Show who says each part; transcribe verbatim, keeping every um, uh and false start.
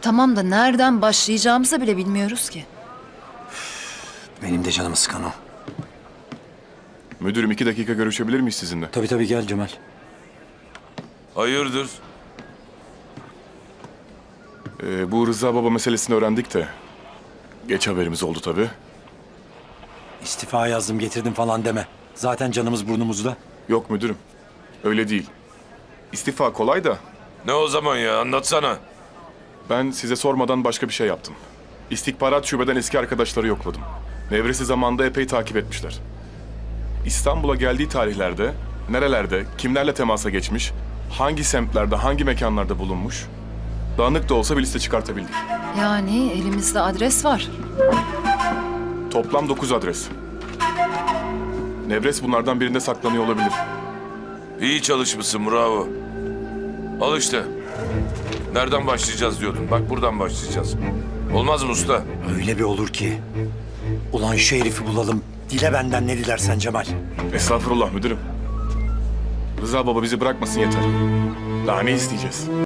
Speaker 1: Tamam da nereden başlayacağımızı bile bilmiyoruz ki.
Speaker 2: Benim de canımı sıkan o.
Speaker 3: Müdürüm iki dakika görüşebilir miyiz sizinle?
Speaker 2: Tabii tabii gel Cemal.
Speaker 4: Hayırdır?
Speaker 3: Ee, bu Rıza Baba meselesini öğrendik de. Geç haberimiz oldu tabii.
Speaker 2: İstifa yazdım getirdim falan deme. Zaten canımız burnumuzda.
Speaker 3: Yok müdürüm. Öyle değil. İstifa kolay da
Speaker 4: Ne o zaman ya? Anlatsana.
Speaker 3: ben size sormadan başka bir şey yaptım. İstihbarat şubeden eski arkadaşları yokladım. Nevres'i zamanında epey takip etmişler. İstanbul'a geldiği tarihlerde, nerelerde, kimlerle temasa geçmiş, hangi semtlerde, hangi mekanlarda bulunmuş, dağınık da olsa bir liste çıkartabildik.
Speaker 1: Yani elimizde adres var.
Speaker 3: Toplam dokuz adres. Nevres bunlardan birinde saklanıyor olabilir.
Speaker 4: İyi çalışmışsın, bravo. Al işte. Nereden başlayacağız diyordun. Bak buradan başlayacağız. Olmaz mı usta?
Speaker 2: Öyle bir olur ki. Ulan şu herifi bulalım. Dile benden ne dilersen Cemal.
Speaker 3: Estağfurullah müdürüm. Rıza Baba bizi bırakmasın yeter. Daha ne isteyeceğiz?